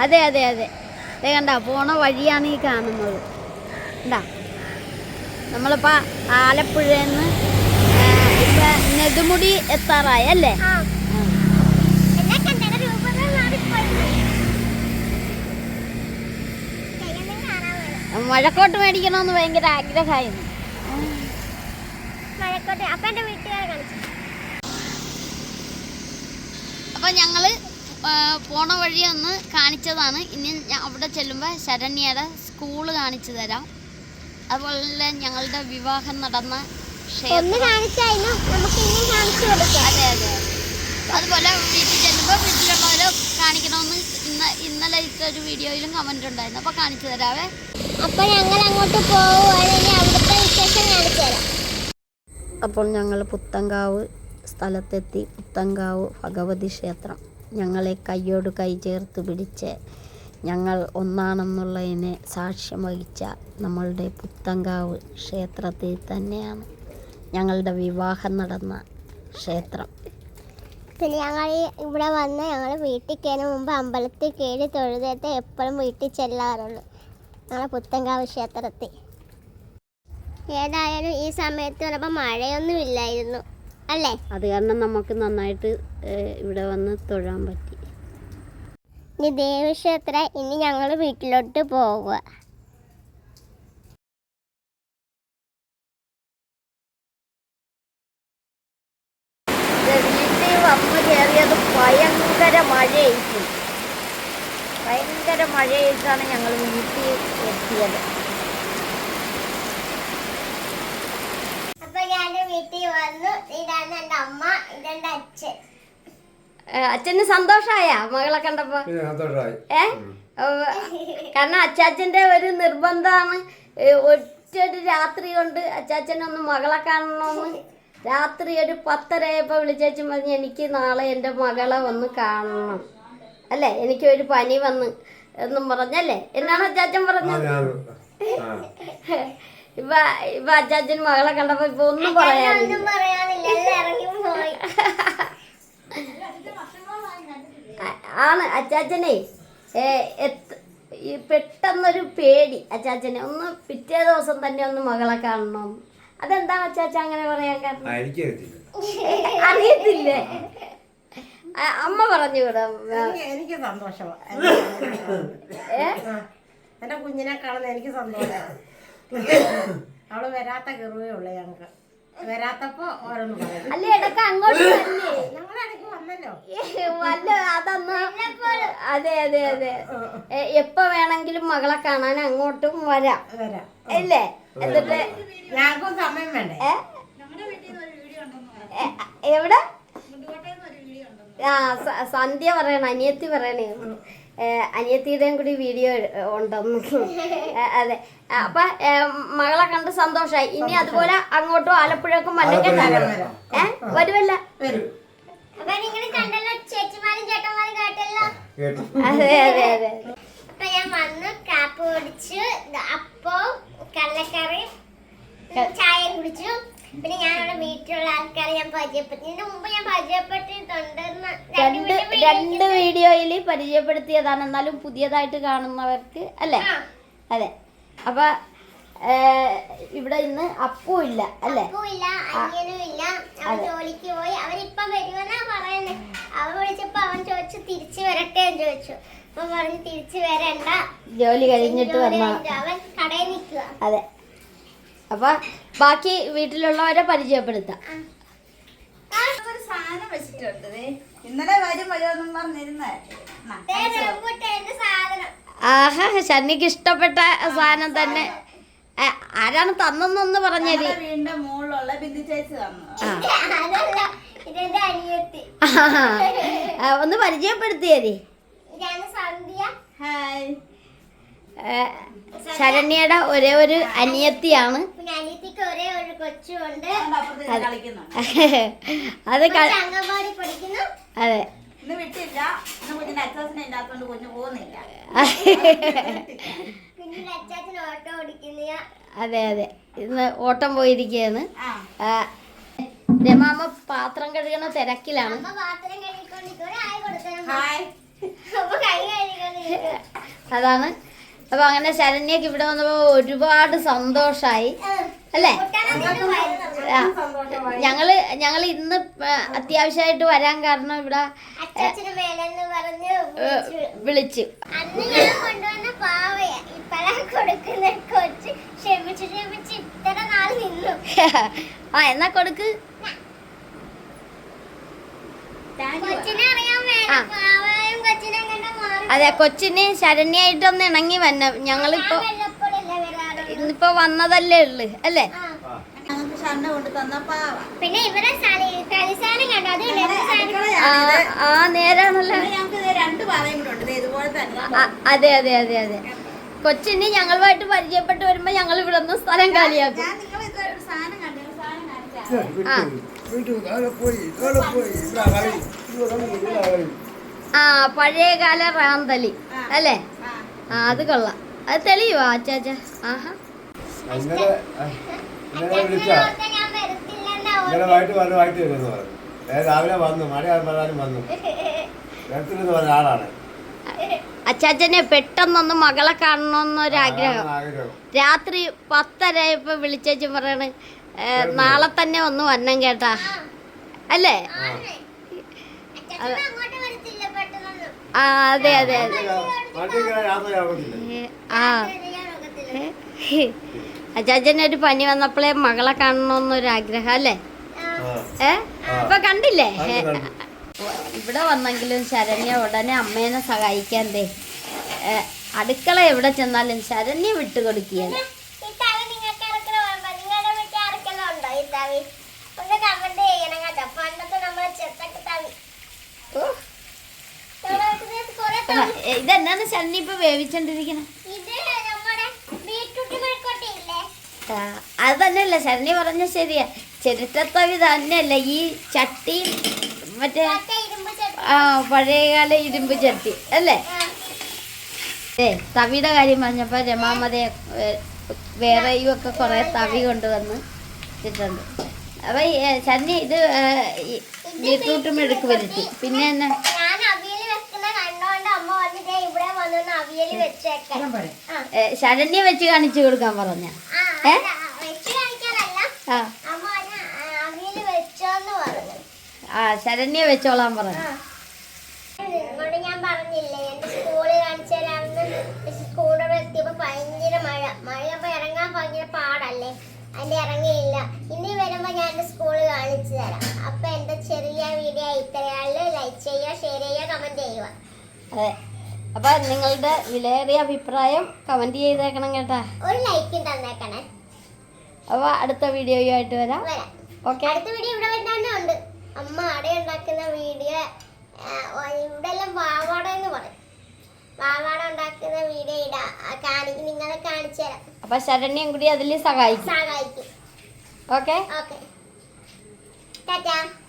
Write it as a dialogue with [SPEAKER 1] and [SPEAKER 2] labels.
[SPEAKER 1] അതെ അതെ അതെ. അതെ കണ്ട പോണ വഴിയാണ് ഈ കാണുന്നത്. എന്താ നമ്മളിപ്പോൾ ആലപ്പുഴന്ന് ഇപ്പം നെടുമുടി എത്താറായി അല്ലേ? മഴക്കോട്ട് മേടിക്കണമെന്ന് ഭയങ്കര ആഗ്രഹമായിരുന്നു. അപ്പം ഞങ്ങൾ പോണ വഴി ഒന്ന് കാണിച്ചതാണ്. ഇനി അവിടെ ചെല്ലുമ്പോൾ ശരണ്യയുടെ സ്കൂള് കാണിച്ചു തരാം. അതുപോലെ ഞങ്ങളുടെ വിവാഹം നടന്ന അതെ അതെ. അതുപോലെ വീട്ടിൽ ചെല്ലുമ്പോൾ വീട്ടിലുള്ളവരെ കാണിക്കണമെന്ന് ഇന്നലെ ഇട്ടൊരു വീഡിയോയിലും കമൻ്റ് ഉണ്ടായിരുന്നു. അപ്പോൾ കാണിച്ചു തരാവേ.
[SPEAKER 2] അപ്പോൾ ഞങ്ങൾ അങ്ങോട്ട് പോവുകയാണ്. അവിടുത്തെ വിശേഷം കാണിച്ചു തരാം.
[SPEAKER 1] അപ്പോൾ ഞങ്ങൾ പുത്തങ്കാവ് സ്ഥലത്തെത്തി. പുത്തങ്കാവ് ഭഗവതി ക്ഷേത്രം ഞങ്ങളെ കയ്യോട് കൈ ചേർത്ത് പിടിച്ച് ഞങ്ങൾ ഒന്നാണെന്നുള്ളതിനെ സാക്ഷ്യം വഹിച്ച നമ്മളുടെ പുത്തങ്കാവ് ക്ഷേത്രത്തിൽ തന്നെയാണ് ഞങ്ങളുടെ വിവാഹം നടന്ന ക്ഷേത്രം.
[SPEAKER 2] പിന്നെ ഞങ്ങൾ ഇവിടെ വന്ന് ഞങ്ങൾ വീട്ടിൽ കയറുന്ന മുമ്പ് അമ്പലത്തിൽ കയറി തൊഴുതേറ്റ് എപ്പോഴും വീട്ടിൽ ചെല്ലാറുള്ളൂ. ഞങ്ങൾ പുത്തങ്കാവ് ക്ഷേത്രത്തിൽ. ഏതായാലും ഈ സമയത്ത് വന്നപ്പോൾ മഴയൊന്നും ഇല്ലായിരുന്നു അല്ലേ?
[SPEAKER 1] അത് കാരണം നമുക്ക് നന്നായിട്ട് ഇവിടെ വന്ന് തൊഴാൻ പറ്റി.
[SPEAKER 2] ഇനി ദേവീക്ഷേത്രം. ഇനി ഞങ്ങൾ വീട്ടിലോട്ട് പോവുക.
[SPEAKER 1] വീട്ടിൽ വന്ന് കയറിയത് ഭയങ്കര മഴയായിരിക്കും. ഭയങ്കര മഴയായിട്ടാണ് ഞങ്ങൾ വീട്ടിൽ എത്തിയത്.
[SPEAKER 2] വീട്ടിൽ വന്നു. ഇതാണ് എൻ്റെ അമ്മ, ഇതെന്റെ അച്ഛൻ.
[SPEAKER 1] അച്ഛന് സന്തോഷായ മകളെ കണ്ടപ്പോ? കാരണം അച്ചാച്ചന്റെ ഒരു നിർബന്ധമാണ്. ഒറ്റൊരു രാത്രി കൊണ്ട് അച്ചാച്ചനൊന്ന് മകളെ കാണണമെന്ന് രാത്രി ഒരു 10:30 വിളിച്ചേച്ചും പറഞ്ഞ് എനിക്ക് നാളെ എൻ്റെ മകളെ ഒന്ന് കാണണം അല്ലേ, എനിക്ക് ഒരു പനി വന്ന് എന്നും പറഞ്ഞല്ലേ. എന്നാണ് അച്ചാച്ചൻ പറഞ്ഞത്? ഇപ്പൊ അച്ചാച്ചൻ മകളെ കണ്ടപ്പോ ഇപ്പൊ ഒന്നും പറയാനില്ല. ആണ് അച്ചാച്ചനെ പെട്ടെന്നൊരു പേടി അച്ചാച്ചനെ. ഒന്ന് പിറ്റേ ദിവസം തന്നെ ഒന്ന് മകളെ കാണണം. അതെന്താണ് അച്ചാച്ച അങ്ങനെ പറയാൻ കാരണം? അറിയത്തില്ലേ? അമ്മ പറഞ്ഞു വിടാം.
[SPEAKER 3] എനിക്ക് സന്തോഷമാണ്. എന്റെ കുഞ്ഞിനെ കാണുന്ന എനിക്ക് സന്തോഷമാണ്. അവള് വരാത്ത കെറുവേ ഉള്ളു. ഞങ്ങക്ക് വരാത്തപ്പോ ഓരോന്ന് പറയും.
[SPEAKER 1] അല്ലേ ഇടക്ക് അങ്ങോട്ട്
[SPEAKER 3] ഞങ്ങളിടയ്ക്ക് വന്നല്ലോ
[SPEAKER 1] വല്ല അതന്ന്. അതെ അതെ അതെ. എപ്പോ വേണമെങ്കിലും മകളെ കാണാൻ അങ്ങോട്ടും വരാം അല്ലേ? എന്നിട്ട്
[SPEAKER 3] ഞങ്ങൾക്കും സമയം വേണ്ടേ?
[SPEAKER 1] എവിടെ? സന്ധ്യ പറയണ, അനിയത്തി പറയണേ. അനിയത്തിയുടെയും കൂടി വീഡിയോ ഉണ്ടെന്ന്. അതെ. അപ്പൊ മകളെ കണ്ട് സന്തോഷായി. ഇനി അതുപോലെ അങ്ങോട്ടും ആലപ്പുഴക്കും വന്നെങ്കിൽ വരുമല്ല? അതെ അതെ അതെ.
[SPEAKER 2] അപ്പൊ ഞാൻ വന്ന് കാപ്പ് കുടിച്ചു, അപ്പം കടലക്കറി, ചായ കുടിച്ചു. പിന്നെ ഞാനവിടെ വീട്ടിലുള്ള ആൾക്കാരെ ഞാൻ പരിചയപ്പെടുത്തി. ഇതിന് മുമ്പ് ഞാൻ പരിചയപ്പെട്ടിട്ടുണ്ടെന്ന്
[SPEAKER 1] രണ്ട് വീഡിയോയിൽ പരിചയപ്പെടുത്തിയതാണ്. എന്നാലും പുതിയതായിട്ട് കാണുന്നവർക്ക് അല്ലേ? അതെ. അപ്പൊ ഇവിടെ ഇന്ന് അപ്പു ഇല്ല അല്ലേ?
[SPEAKER 2] അനിയനും ഇല്ല. അവൻ ജോലിക്ക് പോയി. അവനിപ്പം വരുമെന്നാ പറയുന്നത്. അവൻ വിളിച്ചപ്പോ അവൻ ചോദിച്ചു തിരിച്ചു വരട്ടെ എന്ന് ചോദിച്ചു. അപ്പൊ പറഞ്ഞു തിരിച്ചു വരണ്ട,
[SPEAKER 1] ജോലി കഴിഞ്ഞിട്ട് വന്ന.
[SPEAKER 2] അവൻ കടയിൽ നിൽക്കുക.
[SPEAKER 1] അതെ. അപ്പൊ ബാക്കി വീട്ടിലുള്ളവരെ പരിചയപ്പെടുത്താം.
[SPEAKER 3] ഇന്നലെ വരും വരുമെന്നും പറഞ്ഞിരുന്നേ.
[SPEAKER 1] ആഹാ, ശനിക്ക് ഇഷ്ടപ്പെട്ട സാധനം തന്നെ. ആരാണ് തന്നെന്നൊന്ന് പറഞ്ഞത്?
[SPEAKER 3] വീടിന്റെ മുകളിലുള്ള ബിന്ദു ചേച്ചി തന്നു.
[SPEAKER 1] ഒന്ന് പരിചയപ്പെടുത്തിയേ.
[SPEAKER 3] ഹായ്.
[SPEAKER 1] ശരണ്യയുടെ ഒരേ ഒരു അനിയത്തിയാണ്.
[SPEAKER 2] ഒരേ ഒരു കൊച്ചുണ്ട്.
[SPEAKER 1] അത് അതെ.
[SPEAKER 3] ഇന്ന് വിട്ടില്ല. ഇന്ന് കുഞ്ഞിന്റെ അച്ചാച്ചനെ ഇല്ലാത്തോണ്ട് കുഞ്ഞു പോകുന്നില്ല.
[SPEAKER 1] അതെ അതെ. ഇന്ന് ഓട്ടം പോയിരിക്കുകയാണ്. രമാമ്മ പാത്രം കഴുകണ തിരക്കിലാണ്.
[SPEAKER 2] അപ്പൊ കൈ കഴുകിക്കൊണ്ടിരിക്കുക.
[SPEAKER 1] അതാണ്. അപ്പൊ അങ്ങനെ ശരണ്യക്ക് ഇവിടെ വന്നപ്പോ ഒരുപാട് സന്തോഷായി അല്ലേ? ആ, ഞങ്ങള് ഇന്ന് അത്യാവശ്യമായിട്ട് വരാൻ കാരണം ഇവിടെ
[SPEAKER 2] അച്ചാച്ചന് മേലെന്ന് പറഞ്ഞ്
[SPEAKER 1] വിളിച്ചു.
[SPEAKER 2] അന്ന് ഞാൻ കൊണ്ടുവന്ന പാവയാ ഇപ്പഴാ കൊടുക്കുന്ന കൊച്ച്. ക്ഷമിച്ച് ഇത്ര നാൾ നിന്നു.
[SPEAKER 1] ആ എന്നാ കൊടുക്ക്.
[SPEAKER 2] കൊച്ചിനെ അറിയാൻ വേണം പാവയും കൊച്ചിനെ കണ്ട മാറി.
[SPEAKER 1] അതെ, കൊച്ചിന് ശരണ്യായിട്ടൊന്ന് ഇണങ്ങി വന്ന ഞങ്ങളിപ്പോ
[SPEAKER 2] വല്ലപ്പോഴല്ലേ വരാറുള്ളൂ.
[SPEAKER 1] ഇന്നിപ്പോ വന്നതല്ലേ ഉള്ളു അല്ലേ?
[SPEAKER 3] ഞങ്ങൾക്ക് ഷണ്ണ കൊണ്ട് തന്ന പാവ.
[SPEAKER 2] പിന്നെ ഇവരെ കളിസാധനം കണ്ടോ? അത്
[SPEAKER 1] ആ നേരാണല്ലോ.
[SPEAKER 3] ഞങ്ങൾക്ക് 2 പാവയും കൂടെ ഉണ്ട് ഇതുപോലെ തന്നെ.
[SPEAKER 1] അതെ അതെ അതെ അതെ. കൊച്ചിന് ഞങ്ങളുമായിട്ട് പരിചയപ്പെട്ട് വരുമ്പോ ഞങ്ങൾ ഇവിടെ നിന്ന് സ്ഥലം കാലിയാക്കും.
[SPEAKER 3] ഞാൻ നിങ്ങൾ ഒരു സാധനം കണ്ടു, സാധനം കാണിച്ചാ
[SPEAKER 1] ആ പഴയകാല റാന്തലി അല്ലേ? ആ അത് കൊള്ളാം. അത് തെളിയുവാ അച്ചാച്ച? ആഹാ.
[SPEAKER 2] ഞാൻ വരത്തില്ലെന്നാ
[SPEAKER 4] ഇന്നലെ വൈകിട്ട് വരുമെന്ന് പറഞ്ഞു. രാവിലെ വന്നു, മഴ പറഞ്ഞാലും വന്നു. വരത്തില്ലെന്ന് പറഞ്ഞ ആളാണ്.
[SPEAKER 1] അച്ചാച്ചനെ പെട്ടെന്നൊന്ന് മകളെ കാണണമെന്നൊരാഗ്രഹം.
[SPEAKER 4] ആഗ്രഹം.
[SPEAKER 1] രാത്രി 10:30 വിളിച്ചേച്ച് പറയണ് നാളെ തന്നെ ഒന്ന് വരണം കേട്ടാ അല്ലേ?
[SPEAKER 2] അങ്ങോട്ട് വരത്തില്ല പെട്ടെന്നൊന്നും.
[SPEAKER 1] ആ അതെ അതെ അതെ.
[SPEAKER 4] വണ്ടി കയറാൻ യാത്രയാവത്തില്ല.
[SPEAKER 1] ആ അച്ചാച്ചനൊരു പനി വന്നപ്പോഴേ മകളെ കാണണമെന്നൊരാഗ്രഹം അല്ലേ? ഇപ്പൊ കണ്ടില്ലേ? ഇവിടെ വന്നെങ്കിലും ശരണ്യ ഉടനെ അമ്മേനെ സഹായിക്കാൻ അടുക്കള എവിടെ ചെന്നാലും ശരണ്യ വിട്ടുകൊടുക്കുകയാണ്.
[SPEAKER 2] ഈ തവി നിങ്ങൾക്ക് ആർക്കെങ്കിലും ഓർമ്മ? നിങ്ങളുടെ വീട്ടിൽ ആർക്കെല്ലാം ഉണ്ടോ ഈ തവി? ഒന്ന് കമന്റ് ചെയ്യണം കേട്ടോ. പണ്ടത്തെ നമ്മളെ ചെത്തൊക്കെ തവി. കുറെ തവി.
[SPEAKER 1] ഇതെന്നാണ് ശരണ്യ ഇപ്പൊ വേവിച്ചോണ്ടിരിക്കണേ?
[SPEAKER 2] ഇത് നമ്മുടെ ബീറ്റ്റൂട്ട് മെഴുക്കോട്ടി ഇല്ലേ?
[SPEAKER 1] അത് തന്നെയല്ല ശരണ്യ പറഞ്ഞ ശരിയാ. ചിരട്ടത്തവി തന്നെയല്ല ഈ ചട്ടി, മറ്റേ
[SPEAKER 2] മറ്റേ ഇരുമ്പ് ചട്ടി.
[SPEAKER 1] ആ പഴയകാല ഇരുമ്പ് ചട്ടി അല്ലേ? തവിയുടെ കാര്യം പറഞ്ഞപ്പോ രമാമതയെ വേറെയും ഒക്കെ കുറെ തവി കൊണ്ടുവന്ന് ഇട്ടിട്ടുണ്ട്. അപ്പൊ ശരണ്യ ഇത് ബീട്രൂട്ട് മെഴുക്ക് വരുത്തി. പിന്നെ തന്നെ
[SPEAKER 2] ഞാൻ അവിയല് വെക്കുന്ന കണ്ടോണ്ട് അമ്മ വന്നിട്ട് ഇവിടെ വന്നൊന്ന് അവിയല് വെച്ചേക്കാൻ.
[SPEAKER 1] ശരണ്യ വെച്ച് കാണിച്ചു കൊടുക്കാൻ പറഞ്ഞ.
[SPEAKER 2] വെച്ച് കാണിക്കാനല്ല,
[SPEAKER 1] ആ
[SPEAKER 2] അമ്മ അവിയല് വെച്ചോന്ന് പറഞ്ഞു.
[SPEAKER 1] ആ ശരണ്യ വെച്ചോളാൻ പറഞ്ഞു.
[SPEAKER 2] നിങ്ങളോട് ഞാൻ പറഞ്ഞില്ലേ എന്റെ സ്കൂളിൽ കാണിച്ചു തരാമെന്ന്. സ്കൂളിൽ എത്തിയപ്പോ ഭയങ്കര മഴയപ്പോ ഇറങ്ങാൻ ഭയങ്കര പാടല്ലേ, അതിന്റെ ഇറങ്ങിയില്ല. ഇനി വരുമ്പോ ഞാൻ എന്റെ സ്കൂളിൽ കാണിച്ചു തരാം. അപ്പൊ എന്റെ ചെറിയ വീഡിയോ ഇത്രയാളില് ലൈക്ക് ചെയ്യുക, ഷെയർ ചെയ്യുക, കമന്റ് ചെയ്യുക.
[SPEAKER 1] അതെ, അപ്പൊ നിങ്ങളുടെ വിലയേറിയ അഭിപ്രായം കമന്റ് ചെയ്തേക്കണം കേട്ടാ.
[SPEAKER 2] ഒരു ലൈക്കും തന്നേക്കണേ.
[SPEAKER 1] അപ്പൊ അടുത്ത വീഡിയോയുമായിട്ട് വരാം. ഓക്കെ.
[SPEAKER 2] അടുത്ത വീഡിയോ ഇവിടെ വരുന്നതന്നെ ഉണ്ട്. അമ്മ അട ഉണ്ടാക്കുന്ന വീഡിയോ, ഇവിടെ എല്ലാം വാവാട എന്ന് പറയും. വാവാട ഉണ്ടാക്കുന്ന വീഡിയോ നിങ്ങളെ കാണിച്ചു തരാം.
[SPEAKER 1] അപ്പൊ ശരണ്യം കൂടി അതിൽ സഹായിക്കും.
[SPEAKER 2] സഹായിക്കും.
[SPEAKER 1] ഓക്കെ.
[SPEAKER 2] ഓക്കെ, ടാറ്റാ.